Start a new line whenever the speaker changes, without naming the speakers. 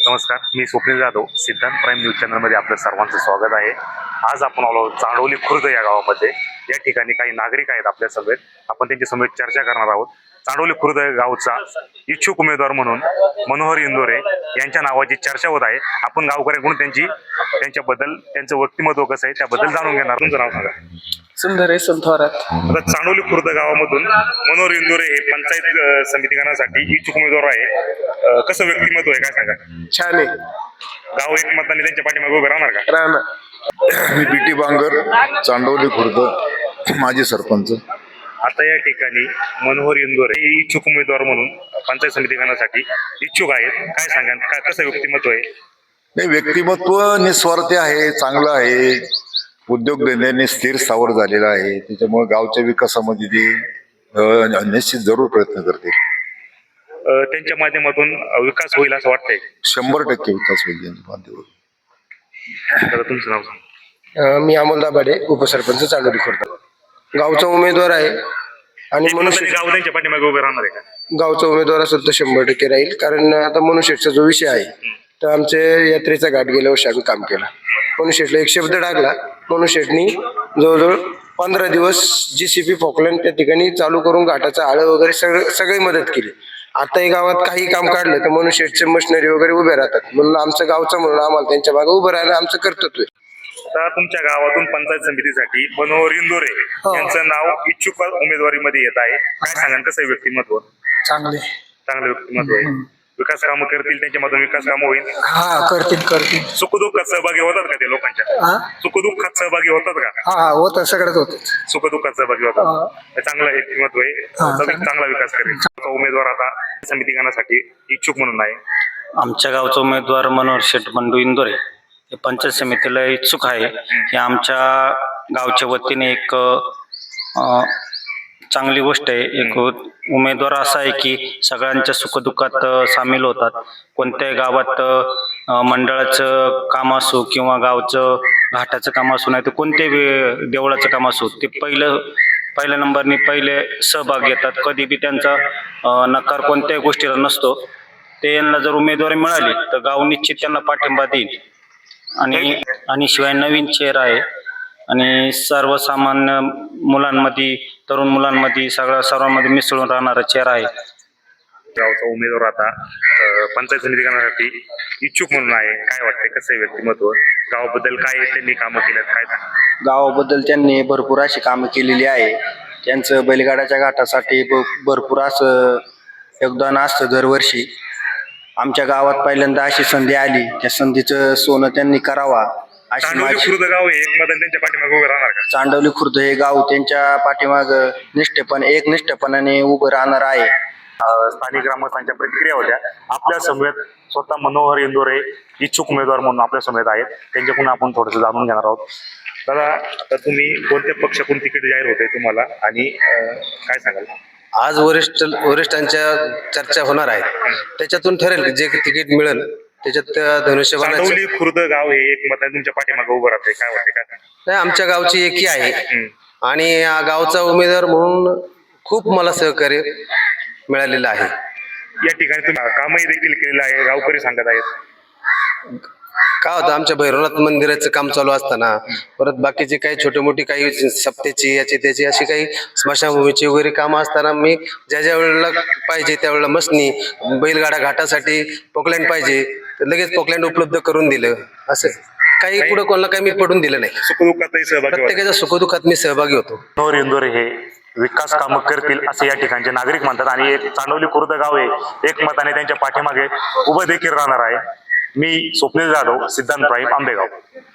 नमस्कार, मी स्वप्नील जाधव. सिद्धांत prime news चॅनलमध्ये आपलं सर्वांचं स्वागत आहे. आज आपण आलो चांडोली खुर्द या गावामध्ये. या ठिकाणी काही नागरिक आहेत आपल्या समेत. आपण त्यांच्या समेत चर्चा करणार आहोत. चांडोली खुर्द गावचा इच्छुक उमेदवार म्हणून मनोहर इंदोरे यांच्या नावाची चर्चा होत आहे. आपण गावकऱ्यांकडून त्यांच्याबद्दल त्यांचं व्यक्तिमत्व कसं आहे त्याबद्दल जाणून घेणार. तुमचं नाव सांगा.
सुंदर आहे थोरात.
आता चांडोली खुर्द गावामधून मनोहर इंदोरे हे पंचायत समिती गणासाठी इच्छुक उमेदवार आहे. कसं व्यक्तिमत्व आहे काय सांगा.
छान आहे.
गाव एक मताने त्यांच्या पाठीमागे उभे राहणार का?
राहणार.
मी बीटी बांगर, चांडोली खुर्द, माजी सरपंच.
आता या ठिकाणी मनोहर इंदोरे हे इच्छुक उमेदवार म्हणून पंचायत समिती गणासाठी इच्छुक आहेत. काय सांगा, काय कसं व्यक्तिमत्व आहे?
नाही, व्यक्तिमत्व निस्वार्थी आहे, चांगलं आहे. उद्योगधंद्याने स्थिर स्थावर झालेला आहे. त्याच्यामुळे गावच्या विकासामध्ये ते निश्चित जरूर प्रयत्न करते.
त्यांच्या माध्यमातून विकास होईल असं वाटतंय.
100% विकास होईल त्यांच्या माध्यमातून.
तर तुमचं नाव सांगा.
मी अमोल दाभाडे, उपसरपंच चांडोली खुर्द. गावचा उमेदवार आहे आणि मनुष्य
गाव त्यांच्या पाठीमागे उभे राहणार आहे का?
गावचा उमेदवार असेल तर 100% राहील. कारण आता मनुष्यचा जो विषय आहे तर आमच्या यात्रेचा घाट गेल्या वर्षी आम्ही काम केला. मनुष्यला एक शब्द टाकला. मनुष्यनी जवळजवळ 15 दिवस JCB फॉकलँड त्या ठिकाणी चालू करून घाटाचं आळं वगैरे सगळी मदत केली. आताही गावात काही काम काढलं तर मनुष्यचे मशिनरी वगैरे उभे राहतात. म्हणून आमचं गावचं म्हणून आम्हाला त्यांच्या मागे उभं राहायला आमचं कर्तव्य आहे.
आता तुमच्या गावातून पंचायत समितीसाठी मनोहर इंदोरे यांचं नाव इच्छुक उमेदवारीमध्ये येत आहे. काय सांगा, कसं आहे व्यक्तिमत्व? चांगलं व्यक्तिमत्व आहे. विकास कामं करतील, त्यांच्यामधून विकास कामं होईल.
हा, करतील.
सुखदुःखात सहभागी होतात का ते लोकांच्या? सुखदुःखात सहभागी होतात का?
हा होत सगळ्यात होत.
सुखदुःखात सहभागी होतात. चांगलं व्यक्तिमत्व आहे. चांगला विकास करेल. उमेदवार आता समिती गणासाठी इच्छुक म्हणून आहे.
आमच्या गावचा उमेदवार मनोहर शेठ बंडू इंदोरे हे पंचायत समितीला इच्छुक आहे. हे आमच्या गावच्या वतीने एक चांगली गोष्ट आहे. एक उमेदवार असा आहे की सगळ्यांच्या सुखदुःखात सामील होतात. कोणत्याही गावात मंडळाचं काम असो किंवा गावचं घाटाचं काम असो, नाही तर कोणत्याही देवळाचं काम असो, ते पहिल्या नंबरनी पहिले सहभाग घेतात. कधी बी त्यांचा नकार कोणत्याही गोष्टीला नसतो. ते यांना जर उमेदवारी मिळाली तर गाव निश्चित त्यांना पाठिंबा देईल. आणि शिवाय नवीन चेहरा आहे आणि सर्वसामान्य मुलांमध्ये, तरुण मुलांमध्ये, सर्वांमध्ये मिसळून राहणारा चेहरा आहे.
गावचा उमेदवार आता पंचायत समिती गणासाठी इच्छुक म्हणून आहे. काय वाटतंय, कसं आहे व्यक्तिमत्व? गावाबद्दल काय त्यांनी कामं केल्यात काय सांगा.
गावाबद्दल त्यांनी भरपूर अशी कामं केलेली आहे. त्यांचं बैलगाड्याच्या घाटासाठी भरपूर असं योगदान असतं दरवर्षी. आमच्या गावात पहिल्यांदा अशी संधी आली, त्या संधीचं सोनं त्यांनी करावा अशी
चांडोली
माझी.
खुर्द गाव एक मत त्यांच्या पाठीमागे उभे राहणार का?
चांडोली खुर्द हे गाव त्यांच्या पाठीमाग निष्ठेपणाने उभं राहणार आहे.
स्थानिक ग्रामस्थांच्या प्रतिक्रिया होत्या. आपल्या समेत स्वतः मनोहर इंदोरे इच्छुक उमेदवार म्हणून आपल्या समेत आहेत. त्यांच्याकडून आपण थोडंसं जाणून घेणार आहोत. दादा, आता तुम्ही कोणत्या पक्षाकडून तिकीट जाहीर होते तुम्हाला आणि काय सांगाल?
आज वरिष्ठांच्या चर्चा होणार आहे. त्याच्यातून ठरेल जे तिकीट मिळेल त्याच्यात धनुष्यबाणाची.
चांडोली खुर्द गाव हे एक मत तुमच्या पाठीमागे उभं राहते. काय वाटते, काय सांगा.
नाही, आमच्या गावची एकी आहे आणि या गावचा उमेदवार म्हणून खूप मला सहकार्य मिळालेलं आहे.
या ठिकाणी तुम्ही कामही देखील केलेलं आहे, गावकरी सांगत आहेत.
काय होतं, आमच्या भैरवनाथ मंदिराचं काम चालू असताना परत बाकीचे काही छोटे मोठी काही सप्त्याची याची त्याची अशी काही स्मशानभूमीची वगैरे कामं असताना मी ज्या वेळेला पाहिजे त्यावेळेला मसनी बैलगाडा घाटासाठी पोकलँड पाहिजे तर लगेच पोकलँड उपलब्ध करून दिलं. असं काही पुढे कोणाला काही मी पडून दिलं नाही.
सुखदुःखातही सहभागी होतात.
प्रत्येकाच्या सुखदुःखात मी सहभागी होतो.
मनोहर इंदोरे हे विकास कामं करतील असे या ठिकाणचे नागरिक म्हणतात आणि एक चांडोली खुर्द गाव हे एक मताने त्यांच्या पाठीमागे उभं देखील राहणार आहे. मी स्वप्नील जाधव, सिद्धांत प्राईम, आंबेगाव.